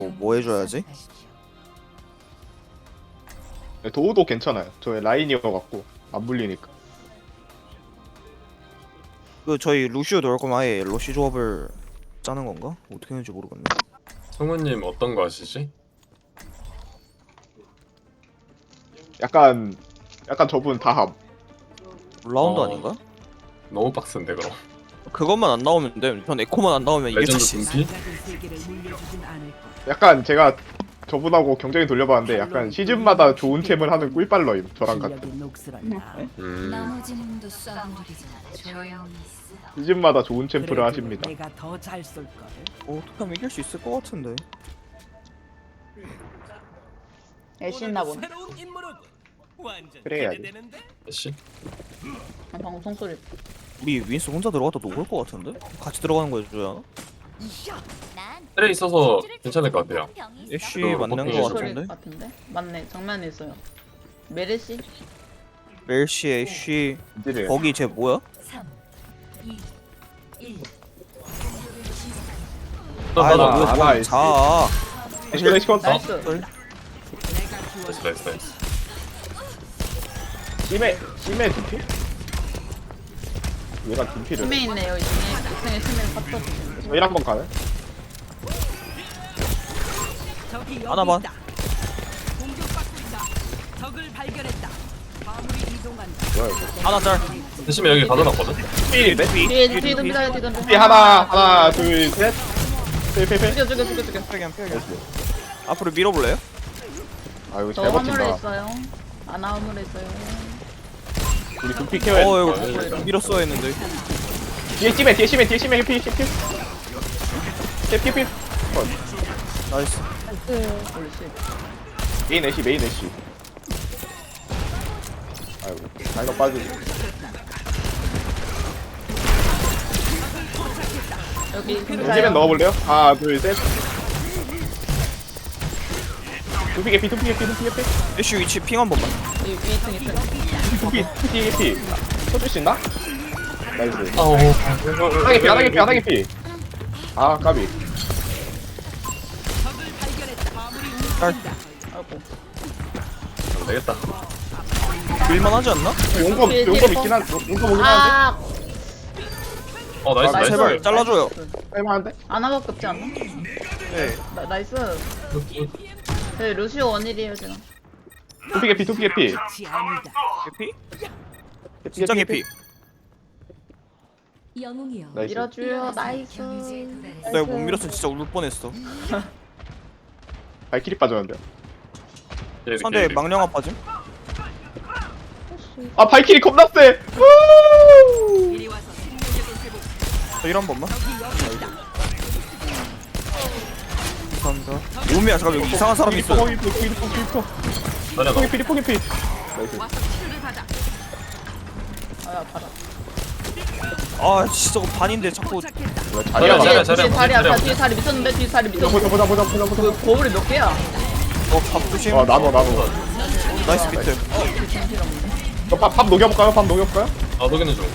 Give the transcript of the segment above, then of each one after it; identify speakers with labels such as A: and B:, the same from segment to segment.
A: 뭐 해줘야지?
B: 도우도 괜찮아요. 저의 라인이어갖고 안 물리니까.
A: 그 저희 루시오 넣을 거면 아예 러쉬 조합을 짜는 건가? 어떻게 하는지 모르겠네.
C: 성우님 어떤 거 하시지?
B: 약간 저분 다함.
A: 라운드
C: 어.
A: 아닌가?
C: 너무 빡센데 그럼.
A: 그것만 안 나오면 돼. 전 에코만 안 나오면 이길
C: 레전드
A: 자신 있어.
C: 분피?
B: 약간 제가 저분하고 경쟁이 돌려봤는데 약간 시즌마다 좋은 챔을 하는 꿀빨러임. 저랑 같은.
D: 나머지는 쏴버리잖아. 조용히 있어.
B: 시즌마다 좋은 챔프를 하십니다.
E: 내가 더 잘 쏠 걸.
A: 어떻게 하면 이길 수 있을 것 같은데.
F: 애쉬나 보네.
B: 그래야지.
C: 씨?
F: 방송 소리.
A: 우리 윈스 혼자 들어갔다 녹을 것 같은데? 같이 들어가는 거 해줘야 하나?
C: 트레 있어서 괜찮을 것 같아요.
A: 애쉬
C: 그
A: 맞는
C: 버킹
A: 거
F: 소리
A: 같은데?
F: 같은데? 맞네. 정면에 있어요. 메르시?
A: 멜시, 애쉬
B: 이제
A: 거기 쟤 뭐야?
D: 3, 2, 1.
A: 아이
C: 맞아.
A: 뭐야
B: 하나
A: 뭐
B: 있지.
A: 자
B: 애쉬가 시켰다.
F: 나이스.
C: 나이스.
B: 심해 두피? 얘가 두피를.
F: 심해 있네요. 2층에 심해 fat도 주시는데.
B: 저희 한번 가네.
E: 적이 여기
A: 하나만.
E: 있다. 공격받고 있다. 적을 발견했다. 화물이 이동한다.
B: 뭐야 이거?
A: 하나 짤.
C: 대신에 여기 가둬놨거든?
B: 필인데?
F: 뒤에 덤비다 뒤에 덤비.
B: 피 하나 둘 셋. 페페페.
F: 죽여.
A: 빼기한 앞으로 밀어볼래요?
B: 아 이거
F: 저
B: 잘
F: 화물에
B: 버틴다.
F: 있어요. 아나 화물에 있어요.
B: 우리 두피 케어해.
A: 이거 밀었어야 했는데.
B: 뒤에 심해 해피. 해피.
A: 나이스.
F: 올리시.
B: 메인 애쉬. 아이고, 이거 빠지지.
F: 여기
B: 여기면 넣어볼래요? 하나, 둘, 셋. 두피 개피.
A: 애쉬 위치 핑 한 번만.
F: 위 2층 2층.
B: 두피 개피. 쳐줄 수 있나? 나이스.
C: 아우.
B: 하나 개피. 아, 까비.
E: 적을 발견했다. 화물이
A: 짤.
F: 아이고.
C: 안 되겠다.
A: 밀만하지 않나?
B: 용검 있긴 한, 용검 오긴 하는데?
F: 아,
C: 나이스.
B: 나이스.
A: 제발 잘라줘요.
B: 할만한데?
F: 아나밖에 없지 않나?
A: 네.
F: 나이스. 저희 루시오 원일이에요 지금.
B: 두피 개피.
E: 끝이 아니다.
A: 개피? 진짜 개피.
D: 영웅이여.
B: 나이스.
F: 밀어줘요. 나이스.
D: 경제에 도달했어.
A: 내가 못 밀었으면 진짜 울 뻔했어.
B: 발키리 빠졌는데.
A: 상대 망령아 빠짐?
B: 아, 발키리 겁나 세! 우!
E: 이리 와서 생명력을 회복.
A: 저1 한 번만.
E: 적이 여기 있다.
A: 감사합니다. 오미야 잠깐 여기 이상한 사람이 있어.
B: 포기.
C: 자리야 너.
B: 포기. 나이스.
E: 와서 치료를 받아.
F: 아야 받아.
A: 아 진짜 저거 반인데 자꾸
E: 도착했다.
B: 자리야,
C: 자리야,
F: 뒤에 다리야.
C: 자리야.
F: 뒤에 다리 미쳤는데 뒤에 다리 미쳤는데.
B: 보자.
F: 그 거울이 몇 개야?
A: 밥 조심.
B: 나눠.
A: 나이스 비트.
B: 밥 녹여볼까요?
C: 녹이는 중.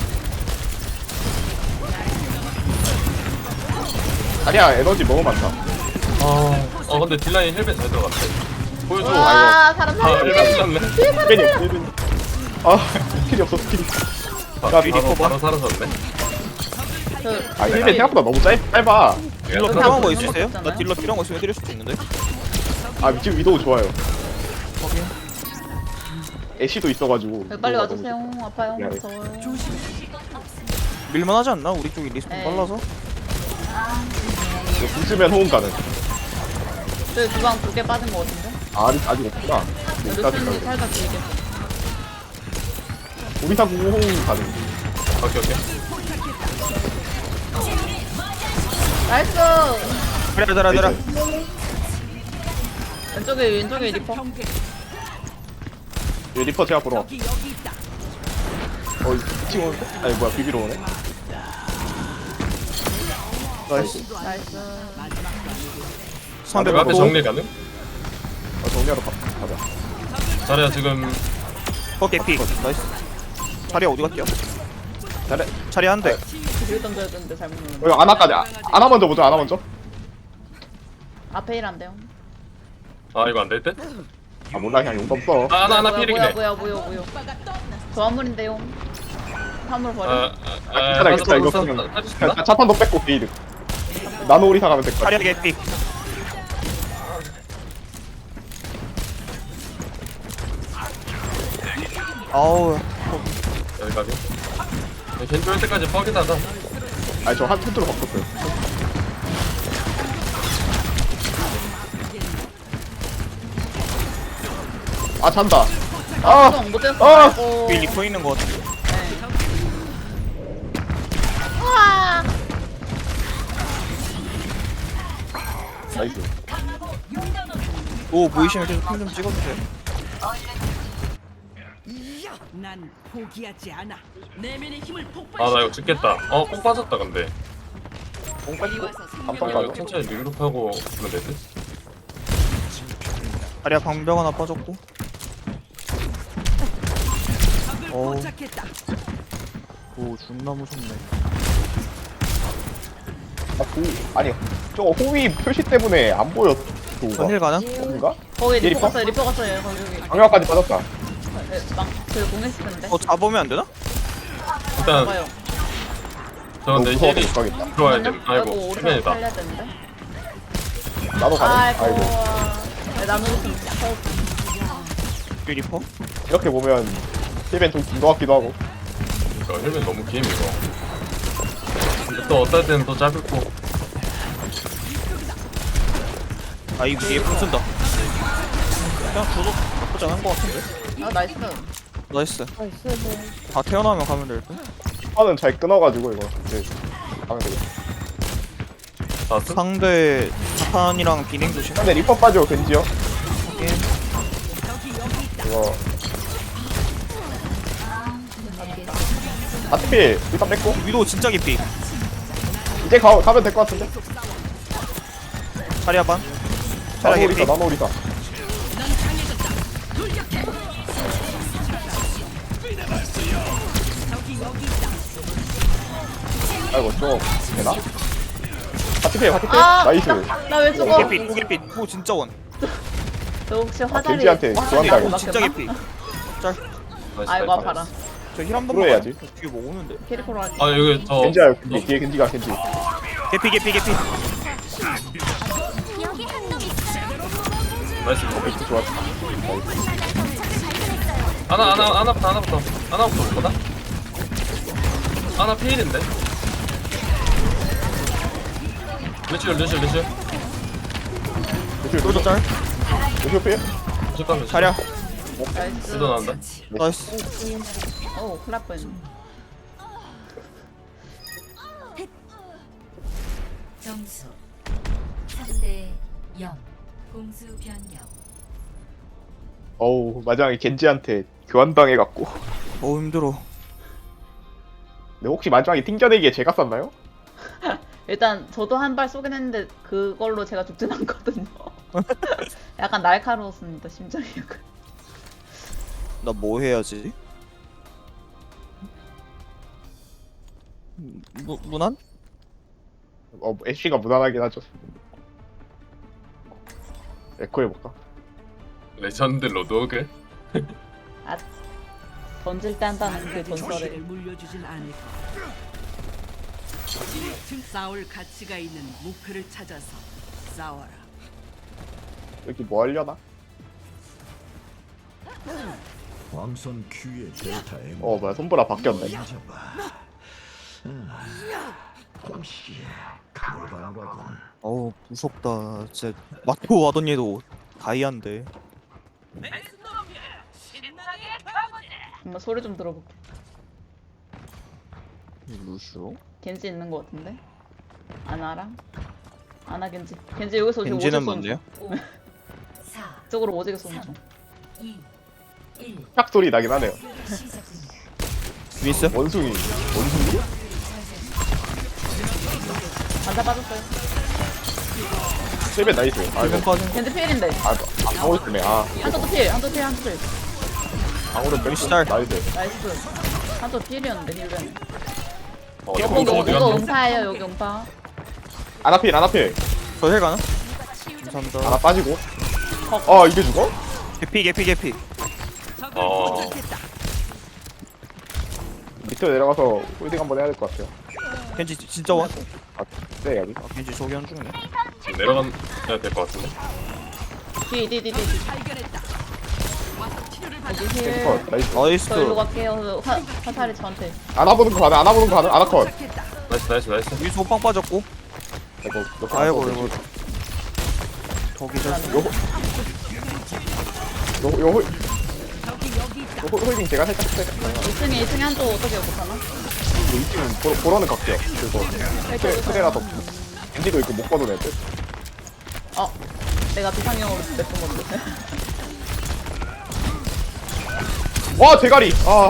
B: 자리야, 에너지 너무 많다.
C: 근데 딜라인 헬멧 잘 들어갔네. 보여줘.
F: 와 사람 살려.
C: 헬멧 쳤네.
B: 힐벤이. 아, 스킬이 없어, 스킬이.
C: 바로 사라졌네.
B: 아, 힐벤 생각보다 너무 짧아.
A: 딜러 필요한 거 있으세요? 나 딜러 필요한 거 있으면 해드릴 수도 있는데.
B: 아, 지금 위도우 좋아요. 애쉬도 있어가지고.
F: 빨리
B: 위도우가
F: 와주세요.
B: 너무
F: 아파요.
B: 미안해.
F: 무서워요.
A: 밀만하지 않나? 우리 쪽이 리스폰
F: 네.
A: 빨라서.
B: 이거 붙으면 호응 가능.
F: 저희 주방 2개 빠진 거 같은데?
B: 아직 없구나.
F: 루시님 살짝 길게.
B: 우리 다 구호 호응 가능.
C: 오케이.
F: 나이스.
A: 그래.
F: 왼쪽에 리퍼.
E: 경계.
B: 여기 리퍼 제가 보러.
E: 적이 여기 있다.
B: 지금 오는데? 아니, 뭐야, 비비로 오네. 나이스.
F: 나이스.
A: 상대
C: 내가 앞에
A: 바로
C: 정리 가능?
B: 정리하러 가자.
C: 자리야 지금
A: 개피. 나이스. 자리야 어디 갔냐?
B: 잘해.
A: 자리 한 대.
F: 뒤로 던져야 되는데 잘못 눌렀네.
B: 여기 아나까지. 아나 먼저 보자, 아나 먼저.
F: 앞에 일한대요.
C: 아 이거 안 될 듯?
B: 아 몰라 그냥 용감 써.
C: 아 하나 필이네.
F: 뭐야. 저 화물인데요. 화물 버려.
B: 괜찮아, 괜찮아, 이거 쓰면. 그냥 차탄도 뺏고 게이드. 나노 오리사 가면 될 것 같아.
A: 자리야 개피. 아우
C: 여기까지. 겐지 올 때까지 뻑이다가.
B: 아니 저한 튼트로 바꿨어요. 아 잔다. 아,
F: 못 됐어.
B: 아!
F: 아이고.
A: 위 리퍼 있는 거 같은데.
F: 우와.
B: 나이스.
A: 오 보이시면 계속 핀좀 찍어주세요.
E: 난 포기하지 않아. 내면의 힘을
C: 아
E: 폭발.
C: 나 이거 찍겠다. 뽕 빠졌다 근데.
B: 뽕 빠지고
C: 이거
B: 감빵
C: 천천히 링룹하고 그러면 되지?
A: 자리야 방벽 하나 빠졌고.
E: 적을
A: 어.
E: 포착했다.
A: 오 존나 무섭네.
B: 아니 저거 호위 표시 때문에 안 보여.
A: 전일 가능?
B: 뭔가?
F: 거기
B: 얘
F: 리퍼
B: 리퍼?
F: 갔어요. 거기.
B: 방역까지 빠졌다.
F: 그 공했을
A: 어 잡으면 안 되나?
C: 일단
F: 봐요.
C: 저 근데
B: 무서워서
C: 힐이
B: 못 가겠다.
C: 들어와야 돼.
F: 아이고
C: 아이고
F: 우리가
C: 수면이다.
F: 살려야 되는데.
B: 나도 가네.
F: 아이고.
B: 아이고.
F: 나누고 좀
A: 위 리퍼?
B: 이렇게 보면 힐벤 좀긴것 같기도 하고.
C: 이거 힐면 너무 긴 이거. 근데 또 어떨 때는 또 짧고.
A: 아 이거 뒤에 풍 쓴다. 그냥 줘도 나쁘지 않은 거 같은데.
F: 아 나이스.
A: 나이스. 다 태어나면 가면 될 듯.
B: 판은 잘 끊어가지고 이거. 네. 가면 되겠다.
C: 나스?
A: 상대 자판이랑 비냉 조심.
B: 근데 리퍼 빠져 겐지요.
A: 확인.
B: 이거. 아트필 일단 뺐고
A: 위도 진짜 깊이.
B: 이제 가면 될 것 같은데.
A: 자리야 반.
B: 나노
A: 자리야
B: 오리사
A: 개피.
B: 나노 오리사. 아이고 좀 되나? 아트필 나이스.
F: 나왜 죽어?
A: 개피 개피. 오 진짜 원.
F: 너 혹시 화자리
B: 겐지한테 교환당했어.
A: 오 진짜 개피. 짤.
C: 나이스,
F: 아이고
C: 나이스.
F: 아파라.
A: 저 힐 한 번만.
B: 풀어야지.
A: 가요. 뒤에 뭐 오는데.
F: 캐리코로 하지.
C: 아 여기 저
B: 겐지야 겐지 뒤에 겐지가 겐지.
A: 개피.
C: 나이스.
B: 겐지 좋았다.
C: 하나부터 볼거다? 하나 피일인데? 루시오
B: 루시오
A: 쫄도 짤.
B: 루시오 필?
C: 잠깐만
A: 자리야.
F: 나이스.
C: 루도 나온다
A: 나이스.
F: 오 큰일 날 뻔.
D: 점수 3대 0. 공수 변경.
B: 어우 마지막에 겐지한테 교환당해갖고.
A: 어 힘들어.
B: 근데 혹시 마지막에 튕겨내기에 제가 썼나요?
F: 일단 저도 한 발 쏘긴 했는데 그걸로 제가 죽진 않거든요. 약간 날카로웠습니다 심장이. 약간.
A: 나 뭐 해야지? 무난?
B: 애쉬가 무난하긴 하죠. 에코 해볼까?
C: 레전드 로드오그?
F: 아 던질 때 한다는 그
E: 나에게
F: 전설에.
E: 도시를 물려주진 않을 거야. 싸울 가치가 있는 목표를 찾아서 싸워라.
B: 여기 뭐 하려나?
G: 왕선 Q의 델타 M.
B: 뭐야 손보라 바뀌었네.
G: 공시 가을바라군.
A: 어우 무섭다. 진짜 마토 와던 얘도 다이아인데.
F: 한번 소리 좀 들어볼게.
A: 루슈?
F: 겐지 있는 거 같은데? 아나랑? 아나 겐지. 겐지 여기서 지금
A: 겐지는
F: 오직 쏘는
A: 뭔데요?
D: 4,
F: 중. 이쪽으로 오지게 쏘는 중.
D: 2, 1.
B: 딱 소리 나긴 하네요.
D: 시작됩니다.
A: 위 있어?
B: 원숭이.
F: 반사 빠졌어요.
B: 셀벤 나이스. 아이고.
A: 일본까지.
F: 겐지 필인데.
B: 방어 있네.
F: 한쪽도 필, 한쪽 필, 한쪽 필.
B: 방어를 몇
A: 시달.
B: 나이스.
F: 나이스. 한쪽 필이었는데 힐벤.
C: 어디
F: 이거
C: 어디
F: 이거
C: 갔니?
F: 음파예요 여기 음파.
B: 아나필.
A: 저힐 가나? 감사합니다.
B: 하나 빠지고. 아 이게 죽어?
A: 개피.
C: 어.
B: 밑으로 내려가서 홀딩 한번 해야 될 것 같아요.
A: 겐지 진짜 원?
B: 네 여기.
A: 아 겐지 저기 한 중이네.
C: 지금 내려가야 될 것 같은데.
F: 뒤.
E: 발견했다. 와서 치료를 받아.
F: 여기 힐.
B: 컷. 나이스.
A: 나이스.
F: 저 일로 갈게요. 화살이 저한테.
B: 안아보는 거 가능. 안아보는 거 가능. 아나 컷.
E: 도착했다.
C: 나이스.
A: 위소 빵 빠졌고.
B: 이거
A: 아이고 이거. 저기 저.
B: 요
E: 여기 있다.
B: 홀딩 제가 살짝
F: 2층에 한쪽 어떻게 못하나?
B: 이 팀은 보러는 갈게요. 그리고 트레라도 엔지도 있고 못 봐도 될 듯.
F: 내가 비상용으로 냈던 건데.
B: 와 대가리. 아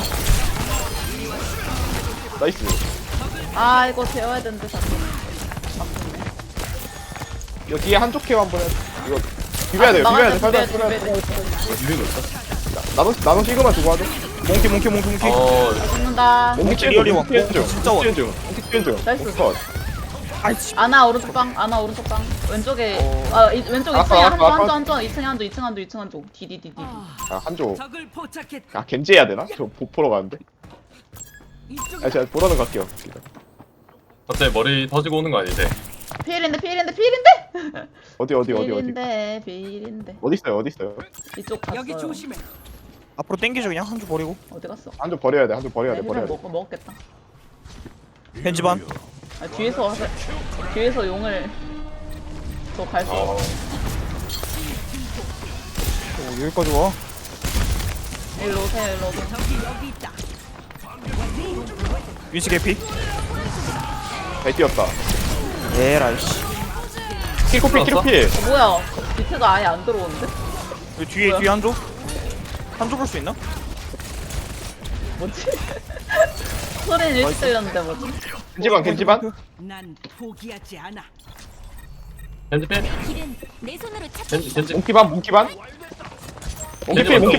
B: 나이스.
F: 아 이거 재워야 되는데 자꾸. 아프네.
B: 이거 뒤에 한쪽 케어 한번 해. 이거 비벼야 돼요. 비벼야 돼. 살살
F: 비벼야
B: 비벼야
F: 돼.
B: 돼.
C: 유리도 있어.
B: 나노 시그마 두고 하죠.
A: 몽키.
C: 어.
F: 죽는다.
B: 몽키
A: 리얼이
B: 몽키
A: 왔고,
B: 중.
A: 진짜 왔-
B: 몽키 중.
F: 나이스.
B: 몽키 컷.
A: 아이씨.
F: 아나 오른쪽 방. 왼쪽에. 왼쪽
B: 알았어,
F: 2층에
B: 알았어, 알았어.
F: 한쪽 2층 한쪽. 디디디디.
B: 아 한조.
E: 적을 포착했다.
B: 아 겐지 해야 되나? 저 보러 가는데.
E: 이쪽에
B: 아 제가 보러는 갈게요.
C: 갑자기 머리 터지고 오는 거 아니지?
F: 필인데.
B: 어디.
F: 필인데.
B: 어디 있어요?
F: 이쪽 갔어요.
E: 여기 조심해.
A: 앞으로 땡기죠 그냥 한 줄 버리고.
F: 어디 갔어?
B: 한조 버려야 돼. 한조 버려야 돼. 버려야 돼.
F: 먹었겠다.
A: 겐지 반.
F: 아, 뒤에서 용을 저 갈 수.
C: 어.
A: 오 여기까지 와.
F: 일로 오세요.
E: 여기 있다.
A: 위치 개피.
B: 잘 뛰었다.
A: 에라이씨.
B: 킬코피.
F: 뭐야? 밑에가 아예 안 들어오는데?
A: 여기 뒤에 한 조? 한 조 볼 수 있나?
F: 뭐지? 소리는 일찍 들렸는데 뭐지?
B: 겐지반.
E: 난 포기하지 않아.
C: 겐지필?
D: 길은 내 손으로 찾.
C: 겐지.
B: 몽키반. 몽키필.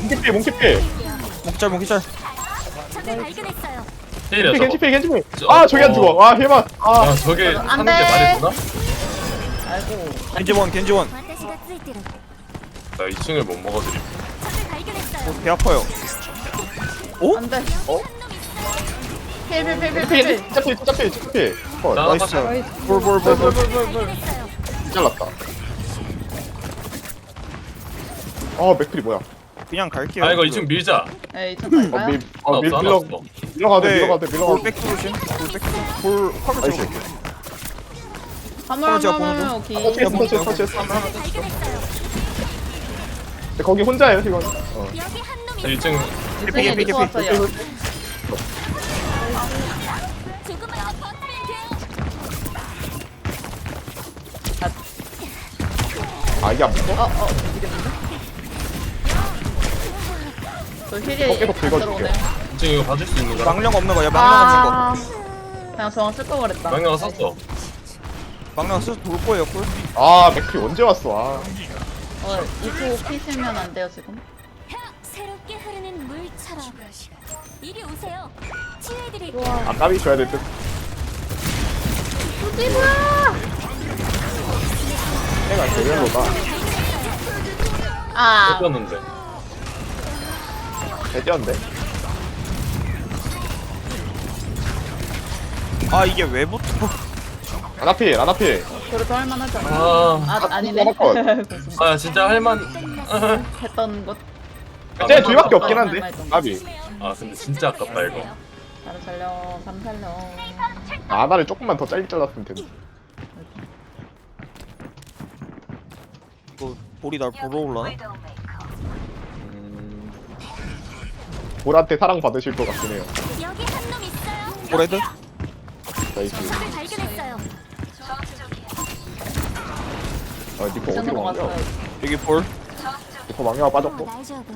A: 몽키짤.
D: 적을 발견했어요.
C: 필이야 저거.
B: 겐지필. 아 저기 안 죽어. 아 힐만. 아
C: 야 저게
F: 안
C: 사는 게
F: 돼.
C: 말이 되나?
F: 아이고.
A: 겐지 원.
D: 私がついてる。
C: 나 2층을 못 먹어드림.
D: 적을 발견했어요.
A: 배 아파요. 오?
F: 안 돼.
B: 어?
F: 필.
B: 진짜필. 컷.
C: 나
A: 나이스. 볼.
D: 발견했어요.
B: 잘랐다. 아 맥클이 뭐야?
A: 그냥 갈게요.
C: 아 이거 2층 밀자.
F: 에 2층 갈까요?
C: 하나 없어.
B: 밀러가도 돼.
A: 볼 백스로신. 볼 화면
B: 나이스.
A: 채울게.
F: 화물
A: 제가 보는
F: 화물 오케이.
B: 터치했어.
D: 발견했어요.
B: 거기 혼자예요 지금.
D: 여기 한 놈이
C: 1층
F: 2층에
A: 개피.
F: 리포 왔어요.
D: 조금만 더 버티면 돼요.
B: 아 이게 안 붙어?
F: 이랬는데? 저 힐이
B: 계속 긁어줄게요.
F: 들어오네요.
C: 2층 이거 봐줄 수 있는 거야?
A: 망령 없는 거야. 망령 없는 거.
F: 그냥 저랑 쓸거 그랬다.
C: 망령아 썼어.
A: 망령 쓰서 돌 거예요. 꿀.
B: 아 맥클이 언제 왔어?
F: 이거 피시면 안 돼요 지금?
D: 새롭게 흐르는 물처럼. 이리 오세요. 치유해드릴게요.
B: 아 까비 줘야 될 듯. 내가 제대로다.
F: 아,
C: 뺐었는데.
B: 잘 뛰었는데.
A: 아 이게 왜 붙어?
B: 아나필.
F: 그래도 할만하지 않아?
C: 아,
F: 아니네.
B: 컷.
C: 아 진짜 할만.
F: 했던 것.
B: 쟤 뒤밖에 없긴
F: 아,
B: 한데.
F: 말만
B: 까비.
C: 아 근데 진짜 아깝다 이거.
F: 바로 살려.
B: 아나를 조금만 더 짧게 잘랐으면 되는데.
A: 이거 볼이 날 보러 올라나?
B: 볼한테 사랑 받으실 것 같긴 해요.
D: 여기 한 놈 있어요.
A: 볼헤드?
B: 나이스.
D: 적을 발견했어요.
B: 아 니코 어디로
F: 층으로
B: 간 거야?
F: 갔어요.
A: 여기 볼.
B: 니코 망령아 빠졌고.
D: 날 줘도.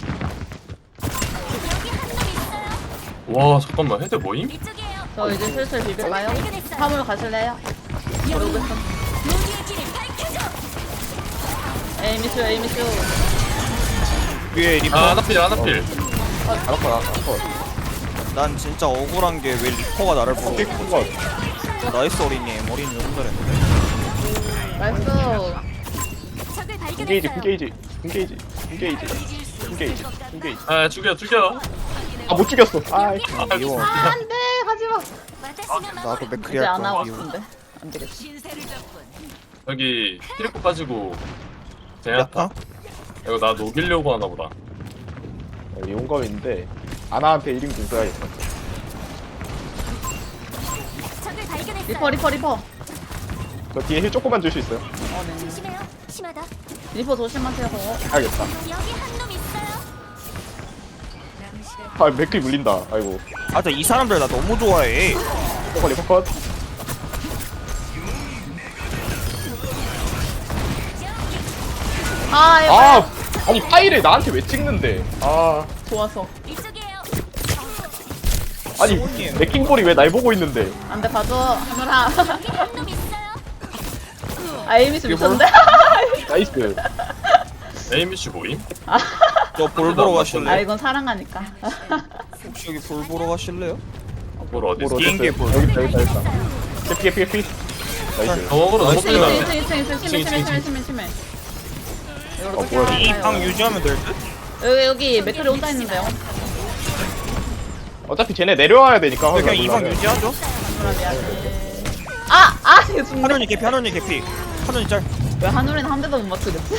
D: 여기 한 놈 있어요.
C: 와 잠깐만 헤드 뭐임?
D: 이쪽이에요.
F: 저 이제 슬슬 비빌까요? 화물 가실래요? 모르겠어.
D: 모두의 길을 밝혀줘.
F: 에이미슈.
A: 위에 리퍼.
C: 아 하나필.
B: 알았어.
A: 난 진짜 억울한 게 왜 리퍼가 나를 보러
B: 픽
A: 오는
B: 컷.
A: 거지? 나이스 어린이. 어린이 너무 잘했는데.
F: 나이스.
B: 궁게이지
D: 발견했어요.
B: 궁게이지.
C: 아 죽여.
B: 아 못 죽였어. 아
A: 미워.
F: 안돼 가지마.
A: 나도 맥크리
F: 이제
A: 할
F: 안 하고
A: 거야. 미워.
F: 싶은데 안 되겠어.
C: 여기 키리코 빠지고
A: 야타?
C: 제냐타. 이거 나 녹이려고 하나 보다.
B: 용검인데 아나한테 1인분 써야겠다.
D: 적을 발견했어요.
F: 리퍼.
B: 저 뒤에 힐 조금만 줄 수 있어요?
F: 네.
D: 조심해요. 심하다.
F: 리퍼 조심하세요.
B: 알겠다.
D: 여기 한 놈 있어요.
B: 아 맥클이 물린다. 아이고.
A: 맞아, 이 사람들 나 너무 좋아해.
B: 리퍼 컷.
F: 아 이거
B: 아 아니 파일을 나한테 왜 찍는데? 아
F: 좋아서
D: 이쪽이에요.
B: 아니 맥킹볼이 왜 날 보고 있는데?
F: 안돼 봐줘 하늘아.
D: 여기 한 놈 있어요.
F: 아 에이미스 미쳤는데?
B: 나이스.
C: 에이미씨 모임?
A: 저 볼 보러
F: 아
A: 가실래요?
F: 이건 사랑하니까.
A: 혹시 여기 볼 보러 가실래요?
C: 뭘 어디 있어?
B: 뭘
A: 비행기에
B: 어딨어요?
A: 볼.
B: 여기 있다. 개피. 나이스.
C: 저거로 너무
F: 2층
C: 빨리 가네.
F: 2층 심해. 이걸로
B: 어, 뭐야,
A: 이 방
F: 요
A: 유지하면 될 듯?
F: 여기 맥클이 혼자 있는데요.
B: 어차피 쟤네 내려와야 되니까.
A: 그냥 이 방 유지하죠?
F: 하늘아 미안해. 아 이거 죽네.
A: 하늘이 개피, 하늘이 개피. 하늘이 짤.
F: 왜 하늘이는 한 대도 못 맞추겠지?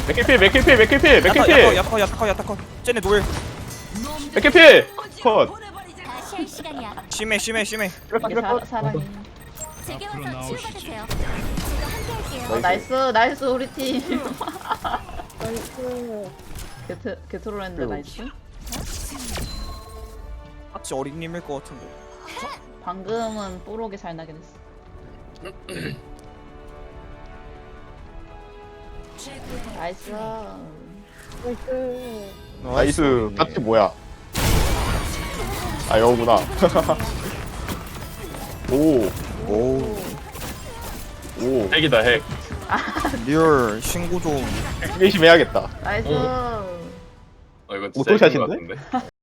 B: 맥킬필.
A: 야타컷. 쟤네 노일.
B: 맥킬필. 컷.
D: 다시 할 시간이야.
A: 심해.
F: 이게 사랑이.
D: 제게 와서 치료받으세요. 제가 함께 할게요.
F: 나이스 우리 팀. 나이스. 게트로랜드 나이스.
A: 같이 어린님일 것 같은데.
F: 방금은 뽀록이 잘 나긴 했어. 나이스.
B: 나이스. 파트 뭐야? 아 여우구나. 오.
C: 핵이다 핵.
A: 리얼 신고 좀.
B: 열심히 해야겠다.
F: 나이스.
C: 이건 진짜
B: 오토샷인데?
C: 핵인 것 같은데?